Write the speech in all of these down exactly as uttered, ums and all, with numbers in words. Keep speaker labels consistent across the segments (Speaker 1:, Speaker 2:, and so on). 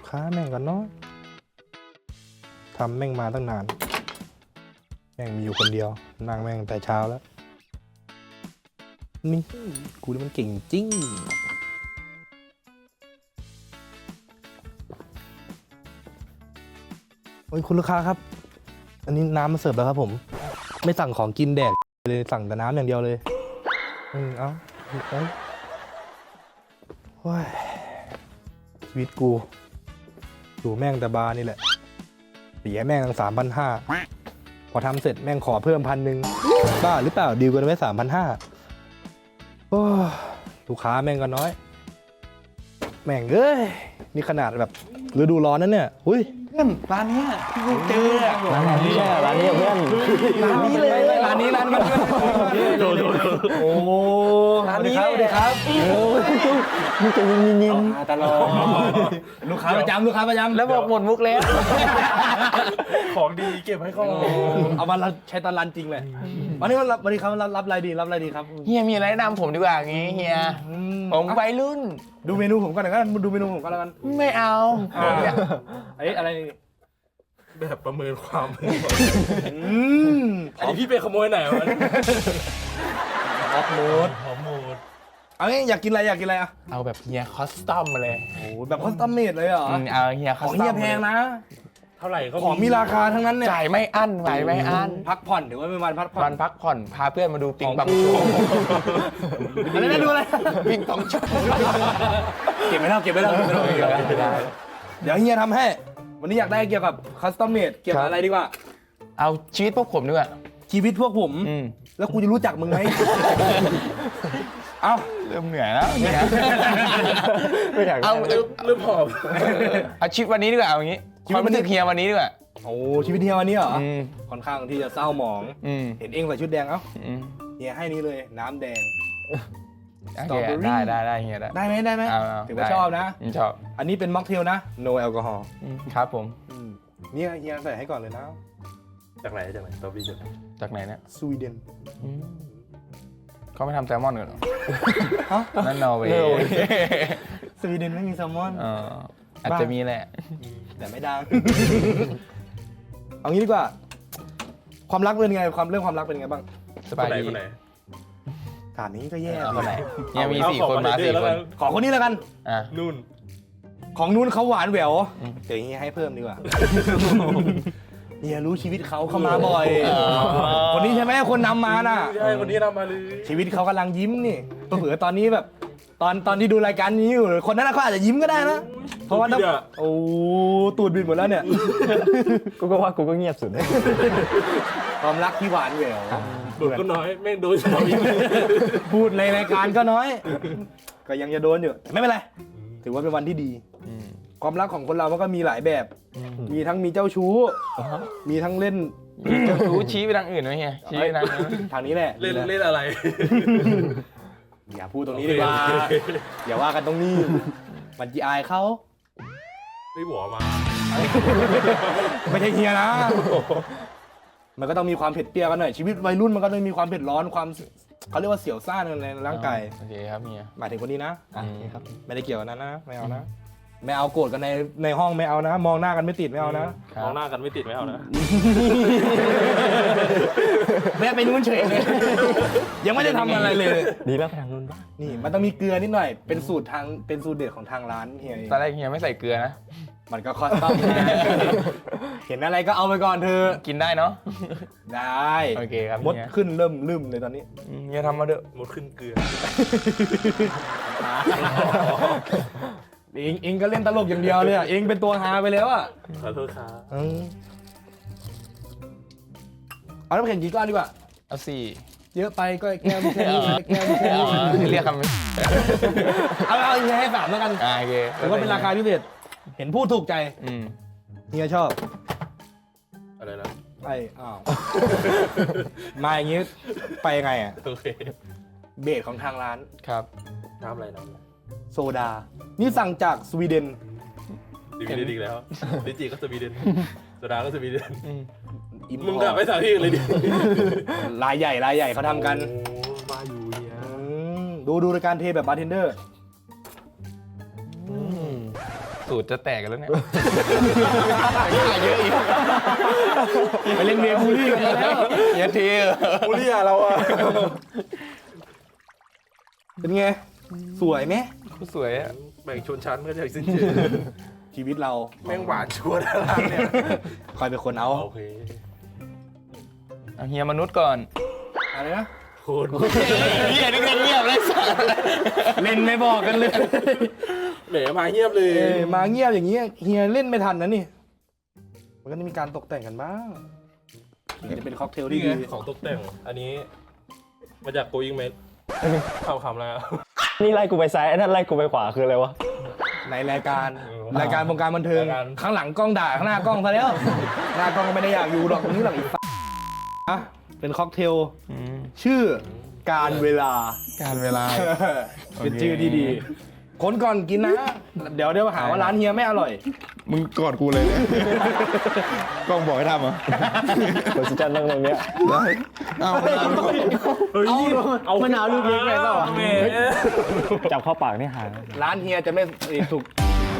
Speaker 1: ค้าแม่งกันเนาะทำแม่งมาตั้งนานแม่งมีอยู่คนเดียวนั่งแม่งแต่เช้าแล้วนี่กูนี่มันเก่งจริงโอ้ยคุณลูกค้าครับอันนี้น้ำมาเสิร์ฟแล้วครับผมไม่สั่งของกินแดกเลยสั่งแต่น้ำอย่างเดียวเลยอืมเอ้าเอ้ยโอ้ยชีวิตกูอยู่แม่งแต่บาร์นี่แหละเสียแม่งตั้งสามพันห้าพอทำเสร็จแม่งขอเพิ่มพันหนึ่งบ้าหรือเปล่าดีลกันไว้สามพันห้าโอ้ลูกค้าแม่งก็น้อยแม่งเอ้ยนี่ขนาดแบบฤดูร้อนนั่นเนี่ยหุ้ย
Speaker 2: เพื่อนร้านนี้ที่กูเจอร้านนี้
Speaker 3: ใช่ร้านนี้เพื่อน
Speaker 2: ร้านนี้เลย
Speaker 1: ร้านนี้ร้านนี้โดนโอ้ร้านนี้สวัสดีครับ
Speaker 3: มึงจะยินยินยิน
Speaker 2: ตลอด
Speaker 1: ลูกค้าประจำลูกค้าประจำ
Speaker 2: แล้วบอกหมดมุกแล้ว
Speaker 4: ของดีเก็บให้เขา
Speaker 1: เอามาใช้ตอนรันจริงเลยวันนี้วันวันนี้ครับรับรับอะไรดีรับอะไรดีครับ
Speaker 2: เฮียมีอะไรแนะนำผมดีกว่างี้เฮียผมวัยรุ่น
Speaker 1: ดูเมนูผมก่อนนะครับดูเมนูผมก่อนแล้วกัน
Speaker 2: ไม่เอา
Speaker 1: ไอ้อะไร
Speaker 4: แบบประเมินความ
Speaker 1: อืม
Speaker 4: อันนี้พี่ไปขโมยไหนวะ
Speaker 1: ฮอปโมด
Speaker 4: หอมหมด
Speaker 1: เอางี้อยากกินอะไรอยากกินอะไรอ่ะ
Speaker 2: เอาแบบเฮียคอสตอมมาเลย
Speaker 1: โอ้แบบคอสตอมเมดเลยเหรอ
Speaker 2: อืมเอาเฮียค
Speaker 1: ข
Speaker 2: อ
Speaker 1: อง
Speaker 2: สตอม
Speaker 1: เฮียแพงนะ
Speaker 4: เท่าไหร่ก็
Speaker 1: ของมีราคาทั้งนั้นเนี่ย
Speaker 2: จ่ายไม่อั้นจ่ายไม่อั้น
Speaker 1: พักผ่อนถือว่าเป็นวันพักผ่อ
Speaker 2: วัน นพักผ่อนพาเพื่อนมาดูปิงปอง
Speaker 1: ของกู
Speaker 2: โชว์
Speaker 1: อะไรนะดูอะไร
Speaker 2: ปิงปองโชว์
Speaker 1: เก็บไว้แล้วเก็บไว้แล้วเก็บไว้แล้วเก็บไว้แล้ว
Speaker 2: ไม่ได้
Speaker 1: เดี๋ยวเฮียทำให้ วันนี้อยากได้เกี่ยวกับคัสตอมเมดเกี่ยวกับอะไรดีกว่า
Speaker 2: เอาชีวิตพวกผมดีกว่า
Speaker 1: ชีวิตพวกผม
Speaker 2: อืม
Speaker 1: แล้วกูจะรู้จักมึงไหม เอ้า
Speaker 2: เริ่มเหนื่อยแล้วเฮีย
Speaker 3: ไม่อยาก
Speaker 2: เอา
Speaker 4: เริ่มเริ่มหอบ
Speaker 2: เอาชีวิตวันนี้ดีกว่าเอาอย่างงี้ความรู้สึกเฮียวันนี้ดีกว่า
Speaker 1: โอ้ชีวิตเฮียวันนี้เหรอ
Speaker 2: อืม
Speaker 1: ค่อนข้างที่จะเศร้าหมอง
Speaker 2: อืม
Speaker 1: เห็นเองใส่ชุดแดงเอ้า
Speaker 2: อืม
Speaker 1: เฮียให้นี้เลยน้ำแดง
Speaker 2: โอ
Speaker 1: สต
Speaker 2: เค
Speaker 1: รอเบอรี่
Speaker 2: ได้ได้ได้เฮียได้
Speaker 1: ได้ไหมได้ไหม
Speaker 2: เอาเอา
Speaker 1: ถือว่า
Speaker 2: ได้
Speaker 1: ชอบนะ
Speaker 2: อืมชอบ
Speaker 1: อันนี้เป็นม็อกเทลนะ no แอลกอฮอล์
Speaker 2: อืมครับผม
Speaker 1: เนี่ยเฮียใส่ให้ก่อนเลยนะ
Speaker 4: จากไหนจากไหนตอบี้จากไหน
Speaker 2: จากไหนเนี่ย
Speaker 1: สวีเดน
Speaker 2: อืมเขาไม่ทำแซลมอนกันเหรอ
Speaker 1: ฮะ
Speaker 2: นั่นนอร์เวย์
Speaker 1: สวีเดนไม่มีแซลมอน
Speaker 2: เอออาจจะมีแหละ
Speaker 1: แต่ไม่ดัง เอางี้ดีกว่า ความรักเป็นไงความเรื่องความรักเป็นไงบ้าง
Speaker 2: สบาย
Speaker 4: คนไหน
Speaker 2: ดี
Speaker 4: คนไหน
Speaker 1: ถามนี้ก็แย่
Speaker 2: เอาคนไหน
Speaker 1: ดิ
Speaker 2: เฮียมี
Speaker 4: เอา
Speaker 2: สี่
Speaker 4: ของ
Speaker 2: คน
Speaker 4: มา
Speaker 2: มา
Speaker 4: เดื
Speaker 2: สี่
Speaker 4: อนแล้ว
Speaker 2: ค
Speaker 4: กัน น
Speaker 1: ขอคนนี้แล้วกัน
Speaker 2: อ่ะ
Speaker 4: นู่น
Speaker 1: ของนู้นเขาหวานแหวว
Speaker 2: อืม
Speaker 1: เดี๋ยวเฮียให้เพิ่มดีกว่า เฮียรู้ชีวิตเขาเข้ามาบ่อย คนนี้ใช่ไหมคนนำมาน่ะ
Speaker 4: ใช่คนนี้นำมาเลย
Speaker 1: ชีวิตเขากำลังยิ้มนี่เผื่อๆตอนนี้แบบ ตอนตอนที่ดูรายการนี้อยู่คนนั้นนะเขาอาจจะยิ้มก็ได้นะ เพราะว่าถ้าโอ้ตูดบินหมดแล้วเนี่ย
Speaker 3: กูก็ว่ากูก็เงียบสุด
Speaker 1: ความรักที่หวานแหวว
Speaker 4: โดนก็น้อยแม่งโดนสองอีก
Speaker 1: พูดในรายการก็น้อย ก็ยังจะโดนอยู่แต่ไม่เป็นไร ถือว่าเป็นวันที่ดี
Speaker 2: อืม
Speaker 1: ความรักของคนเรามันก็มีหลายแบบ
Speaker 2: อืม
Speaker 1: มีทั้งมีเจ้าชู้ มีทั้งเล่น
Speaker 2: เจ้าชู้ชี้ไปทางอื่นไหมเฮียชี้ไปทางนั้น
Speaker 1: ทางนี้แหละ
Speaker 4: เล่นเล่นอะไร
Speaker 1: อย่าพูดตรงนี้ดีกว่าอย่าว่ากันตรงนี้ มันจีอายเขา
Speaker 4: ไม่หัวมา
Speaker 1: ไม่ใช่เฮียนะ มันก็ต้องมีความเผ็ดเปรี้ยวกันหน่อย ชีวิตวัยรุ่นมันก็ต้องมีความเผ็ดร้อนความเขาเรียกว่าเสียวซ่านในร่างกาย
Speaker 2: โอเคครับเฮีย
Speaker 1: หมายถึงคนนี้นะ
Speaker 2: อืม
Speaker 1: โอเคครับ ไม่ได้เกี่ยวกันนะนะ ไม่เอานะ ไม่เอาโกรธกันในในห้องไม่เอานะ มองหน้ากันไม่ติดไม่เอานะ
Speaker 2: ครับ
Speaker 4: มองหน้ากันไม่ติดไม่เอานะ
Speaker 1: แม่ไปนู้นเฉยเลย ยังไม่ได้ทำอะไรเลย
Speaker 3: ดีแล้วไปทางนู้นบ้าง
Speaker 1: นี่มันต้องมีเกลือนิดหน่อย เป็นสูตรทาง เป็นสูตรเด็ดของทางร้านเฮียเอง
Speaker 2: ตอนแรกเฮียไม่ใส่เกลือนะ
Speaker 1: มันก็คอสตอมนะเห็นอะไรก็เอาไปก่อนเธอ
Speaker 2: กินได้เนาะ
Speaker 1: ได้
Speaker 2: โอเคครับ
Speaker 1: มด
Speaker 2: เฮีย
Speaker 1: ขึ้นเริ่มลืมเลยตอนนี้
Speaker 2: อืมเฮียทำมาเด้อะ
Speaker 4: หมดขึ้นเกลือ
Speaker 1: เองเองก็เล่นตลกอย่างเดียวเลยอ่ะ เองเป็นตัวฮาไปแล้วอ่ะ
Speaker 4: ขอโทษครับ
Speaker 1: เออเอาน้ำแข็งกี่ก้อนดีกว่า
Speaker 2: เอาสี่
Speaker 1: เยอะไปก็แก้วไม่แค่นี้แก้วไม่แค่
Speaker 2: อ๋
Speaker 1: นี้
Speaker 2: อเรียกคำ
Speaker 1: เอาเอาเฮียให้สามแล้วกัน
Speaker 2: อ่าโอเค
Speaker 1: ถือว่าเป็นราคาพิเศษ เห็นพูดถูกใจ
Speaker 2: อืม
Speaker 1: เฮียชอบ
Speaker 4: อะไรนะ
Speaker 1: ไอ้อ้าว มาอย่างงี้ไปยังไงอ่ะ
Speaker 4: โอเค
Speaker 1: เบสของทางร้าน
Speaker 2: ครับ
Speaker 4: น้ำอะไรน้ำอะไร
Speaker 1: โซดา นี่สั่งจากสวีเดน
Speaker 4: สวีเดนอีกแล้วลิจิก็สวีเดนโซดาก็สวีเดน
Speaker 2: อืม
Speaker 1: อิน
Speaker 4: มึงกลับไปสาวที่อื่นเลยดิ
Speaker 1: รายใหญ่รายใหญ่เขาทำกัน
Speaker 4: โอ้มาอยู่เนี่ย
Speaker 1: อืมดูดูรายการเทแบบบาร์เทนเดอร์
Speaker 2: สูตรจะแตกกันแล้วเนี่ยขาเยอะอีก
Speaker 1: ไปเล่นเมียบูลลี่กันแล้ว
Speaker 2: เยอะที
Speaker 4: บูลลี่อะเราอะ
Speaker 1: เป็นไง สวยไหม
Speaker 2: สวยอะ
Speaker 4: แบ่งชนชั้นก็จะสิ้นเชิง
Speaker 1: ชีวิตเรา
Speaker 4: แม่งหวานชวนอะไรเนี่ย
Speaker 1: คอยเป็นคนเอา
Speaker 4: โอเค
Speaker 2: เอาเฮียมนุษย์ก่อน
Speaker 1: อะไรนะ
Speaker 4: โคตร
Speaker 2: เฮียนี่เงียบเลยสัส
Speaker 1: เล่นไม่บอกกันเลย
Speaker 4: แหมมาเงียบเลย
Speaker 1: เอ้ยมาเงียบอย่างเงี้ยเฮียเล่นไม่ทันนะนี่ มันก็ต้องมีการตกแต่งกันบ้างถึงจะเป็นค็อกเทล
Speaker 4: นี่
Speaker 1: ที่
Speaker 4: ไง
Speaker 1: ดี
Speaker 4: ของตกแต่ง อันนี้ มาจาก Going Mate ข่าวคำแล้ว
Speaker 3: นี่ไล่กูไปซ้ายไอ้นั่นไล่กูไปขวาคืออะไรวะ
Speaker 1: ในรายการ
Speaker 4: เออ
Speaker 1: รายการวงการบันเทิง
Speaker 4: รายการ
Speaker 1: ข้างหลังกล้องด่าข้างหน้ากล้องซะแล้ว หน้ากล้องก็ไม่ได้อยากอยู่หรอกตรงนี้หรอกอีกอ่ะเป็นค็อกเทลชื่อการเวลา
Speaker 2: การเวลา
Speaker 1: เป็นชื่อที่ดีคนก่อนกินนะ เดี๋ยวเดี๋ยวหาว่าร้านเฮียไม่อร่อย
Speaker 2: มึงกอดกูเลยกล้องบอกให้ทำเหรอ
Speaker 3: คนสิจันนั่งตรงเนี้ย
Speaker 2: ได้เอา
Speaker 4: เฮ้ย
Speaker 3: เอามะนาวลูกเล็กไปเปล่า
Speaker 4: แหม
Speaker 3: จับเข้าปากนี่หาย
Speaker 1: ร้านเฮียจะไม่ถูก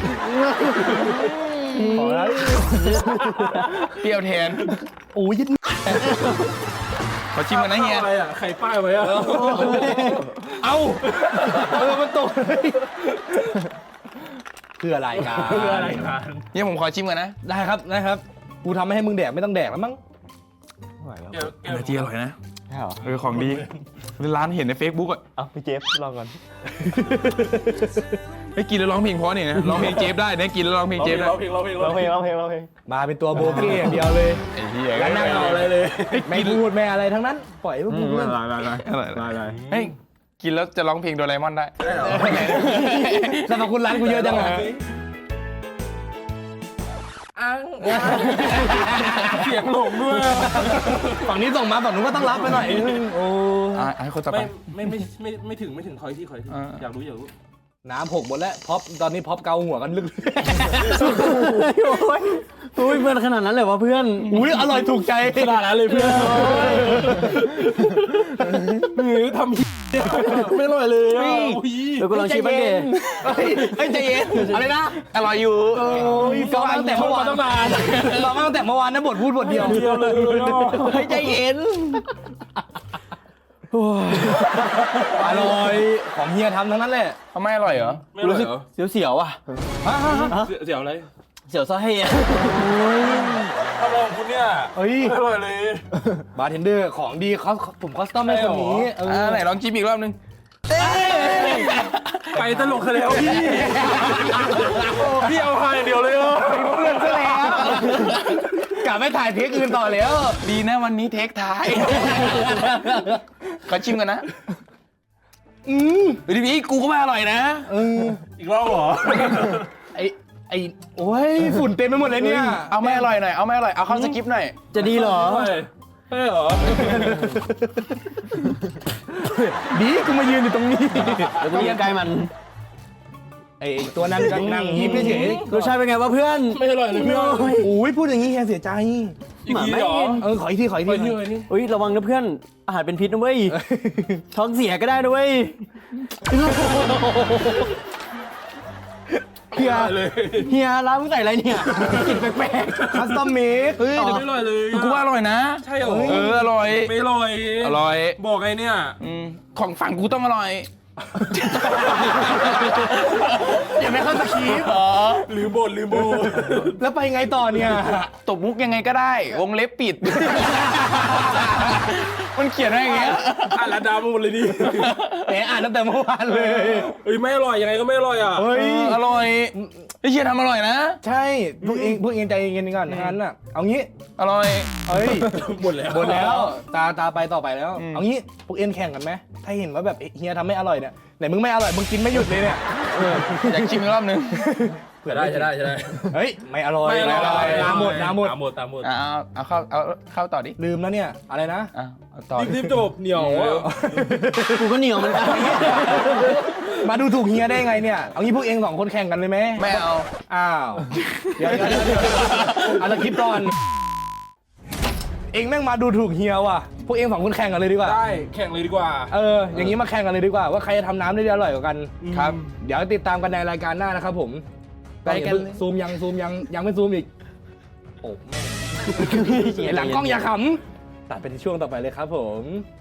Speaker 1: ขอแล้ว
Speaker 2: เปรี้ยวแทน
Speaker 1: โอ้ยยิด
Speaker 2: ขอชิมกันนะเฮีย
Speaker 4: อะไรอะใครป้ายไว้อะ
Speaker 1: เอาเออมันตกเลยเพื่อรายการ
Speaker 4: เพื่ออะไรกัน
Speaker 2: เฮียผมขอชิมกันนะ
Speaker 1: ได้ครับได้ครับกูทำให้มึงแดกไม่ต้องแดกแล้วมั้ง
Speaker 3: ไม่ไหวแล้ว
Speaker 4: แก้วแก้ว
Speaker 2: นาทีอร่อยนะ
Speaker 3: ใช่เหรอ
Speaker 2: เออของดีร้านเห็นใน Facebook อ่ะ
Speaker 3: เอาพี่เจฟลองก่อน
Speaker 2: ให้กินแล้วร้องเพลงเพราะเนี่ยนะร้องเพลงเจฟได้นะกินแล้วร้องเพลงเจฟได้
Speaker 4: ร้องเพลงร้องเพลง
Speaker 3: ร้องเพลงร้องเพลงร้องเพลง
Speaker 1: มาเป็นตัวโบเก้อย่างเดียวเลย
Speaker 2: ไอ้เหี้ย
Speaker 1: แล้วนั่งเอาอะไรเลย ไม่พูดไม่อะไรทั้งนั้น ปล่อยให้พวกมึงเล่น
Speaker 2: อร่อยอร่อยอร่อยเฮ้ยกินแล้วจะร้องเพลงโดราเอมอนได้
Speaker 1: สรรพคุณร้านกูเยอะจังอะ
Speaker 4: เสียงหลงด้วย
Speaker 1: ฝั่งนี้ส่งมาฝั่งนู้นก็ต้องรับไปหน่อยโอ้
Speaker 2: อ่ะให้คนต่อไป
Speaker 4: ไม่ไม่ไม่ไม่ไม่ถึงไม่ถึงคอยที่คอยที่
Speaker 2: อ่า
Speaker 4: อยากรู้อยากรู้
Speaker 1: น้ำหกหมดแล้วพ็อปตอนนี้พ็อปเกาหัวกันลึก
Speaker 3: โอ้ยโอ้ยเพื่อนขนาดนั้นเลยวะเพื่อน
Speaker 1: อุ้ยอร่อยถูกใจ
Speaker 4: ขนาดนั้นเลยเพื่อนหรือทำไม่อร่อยเลยอ่ะโอ้ย
Speaker 3: เดี๋ยวกูลองชิมบ้างดิ
Speaker 1: เฮ้ยใจเย็นอะไรนะ
Speaker 2: อร่อยอยู่
Speaker 1: โอ้ยฟังมาตั้งแต่เมื่อวาน
Speaker 4: ต้องนาน
Speaker 1: ฟังมาตั้งแต่เมื่อวานนะบทพูดบทเดียว
Speaker 4: เดียวเลยเนาะ
Speaker 1: เฮ้ยใจเย็นอร่อยของเฮียทำทั้งนั้นแหละ
Speaker 2: ทำไมอร่อยเหรอ
Speaker 4: ไม่อร่อยเหรอ
Speaker 3: เสียวๆอ่ะ
Speaker 4: เสียเสียวอะไร
Speaker 3: เสียวซะให้อะ
Speaker 4: ทำอะไรของคุณเนี่ย
Speaker 1: เฮ้ย
Speaker 4: ไม่อร่อยเลย
Speaker 1: บาร์เทนเดอร์ของดีเขาผมคอสตอมให้คนนี้เอ
Speaker 2: อ่า
Speaker 1: อ
Speaker 2: ไหนลองชิมอีกรอบนึง
Speaker 4: ไปตลกซะแล้วพี่พี่เอาหายเดียวเลยอ่ะ
Speaker 1: เพื่อนซะแล้วกลับไปถ่ายเทคอื่นต่อแล้ว
Speaker 2: ดีนะวันนี้เทคท้ายขอชิมกันนะ
Speaker 1: อืม
Speaker 2: ดีพี่กูก็ไม่อร่อยนะ
Speaker 1: เออ
Speaker 4: อีกรอบเหรอ
Speaker 1: ไอไอโอ้ยฝุ่นเต็มไปหมดเลยเนี่ย
Speaker 2: เอาไม่อร่อยหน่อยเอาไม่อร่อยเอาเข้าสคริปต์หน่อย
Speaker 3: จะดีเหรอ
Speaker 4: ใช่เหรอ
Speaker 1: ดีกูมายืนอยู่ตรงนี้
Speaker 3: เดี๋ยวกูยืนใกล้มัน
Speaker 1: ไอตัวนั้นก็นั่งยิ้มเฉย
Speaker 3: รสชาติเป็นไงวะเพื่อน
Speaker 4: ไม่อร่อยเลยเพื่อน
Speaker 1: ๆโอ้ยพูดอย่างนี้เฮียเสียใจ
Speaker 4: อีกทีเหรอ
Speaker 1: เออขออีกทีขออีก
Speaker 4: ไป
Speaker 1: ที
Speaker 4: ที่ไหนนี่
Speaker 3: อุ้ยระวังนะเพื่อน อาหารเป็นพิษนะเว้ย ท้องเสียก็ได้นะเว้ย เฮีย
Speaker 4: เลย
Speaker 3: เฮียร้านมึงใส่อะไรเนี่ยกลิ่นแปลก
Speaker 1: คัสตอมเมด
Speaker 2: เฮ้ย
Speaker 4: ไม่
Speaker 2: เดี๋ยว
Speaker 4: อร่อยเลย
Speaker 2: กูว่าอร่อยนะ
Speaker 4: ใช่เหรอ
Speaker 2: เอออร่อย
Speaker 4: ไม่อร่อย
Speaker 2: อร่อย
Speaker 4: บอกไงเนี่ย
Speaker 2: อืมของฝั่งกูต้องอร่อย
Speaker 1: อย่าไม่เข้าสคริปต์
Speaker 4: หรือบทหรือโบ
Speaker 1: แล้วไปไงต่อเนี่ย
Speaker 2: ตบมุกยังไงก็ได้ วงเล็บปิด มันเขียนไว้อย่างเงี้ย
Speaker 4: อ่านละดามาหมดเลยดิ
Speaker 1: แหมอ่านตั้งแต่เมื่อวานเลย
Speaker 4: เฮ้ยไม่อร่อยยังไงก็ไม่อร่อยอ่ะ
Speaker 1: เฮ้ย
Speaker 2: อร่อยไอ้เชียทำอร่อยนะ
Speaker 1: ใช่พวกเองพวกเองใจเย็นๆก่อนงั้นน่ะเอางี้
Speaker 2: อร่อย
Speaker 1: เฮ้ย
Speaker 4: หมดแล้ว
Speaker 1: หมดแล้วตาตาไปต่อไปแล้ว
Speaker 2: อืม
Speaker 1: เอางี้พวกเอ็นแข่งกันไหมถ้าเห็นว่าแบบเฮียทำไม่อร่อยเนี่ยไหนมึงไม่อร่อยมึงกินไม่หยุดเลยเนี่ย
Speaker 2: อยากชิมอีกรอบนึง
Speaker 1: เผื่อ
Speaker 4: ได้ใช่ได้ใช่ได้
Speaker 1: เฮ้ยไม่อร่อย
Speaker 4: ไม่อร่อย
Speaker 1: น้ำหมดน้ำหมด
Speaker 4: น้ำหมดน้ำหมด
Speaker 2: อ่ะเอาเอาเข้าเอาเข้าต่อดิ
Speaker 1: ลืมแล้วเนี่ยอะไรนะ
Speaker 2: อ่ะเอาต่อ
Speaker 4: รีบๆจบเหนียวอ่ะ
Speaker 3: ๆกูก็เหนียวเหมันกัน
Speaker 1: มาดูถูกเฮียได้ไงเนี่ยเอางี้พวกเองสองคนแข่งกันเลยไหม
Speaker 2: ไม่เอา
Speaker 1: อ้าวเดี๋ยวเดี๋ยวเดี๋ยวเดี๋ยวเอาละคลิปก่อนเองแม่งมาดูถูกเฮียว่ะพวกเองสองคนแข่งกันเลยดีกว่า
Speaker 4: ได้แข่งเลยดีกว่า
Speaker 1: เอออย่างนี้มาแข่งกันเลยดีกว่าว่าใครจะทำน้ำได้อร่อยกว่ากัน
Speaker 2: ครับ
Speaker 1: เดี๋ยวติดตามกันในรายการหน้านะครับผม ไปล้องอย่า
Speaker 2: ไปกัน
Speaker 1: เพิ่ง
Speaker 2: เลย
Speaker 1: ซูมยังซูมยังยังไม่ซูมอีกโอ้แม่งไอ้หลังกล้องอย่าขำตัดไปที่ช่วงต่อไปเลยครับผม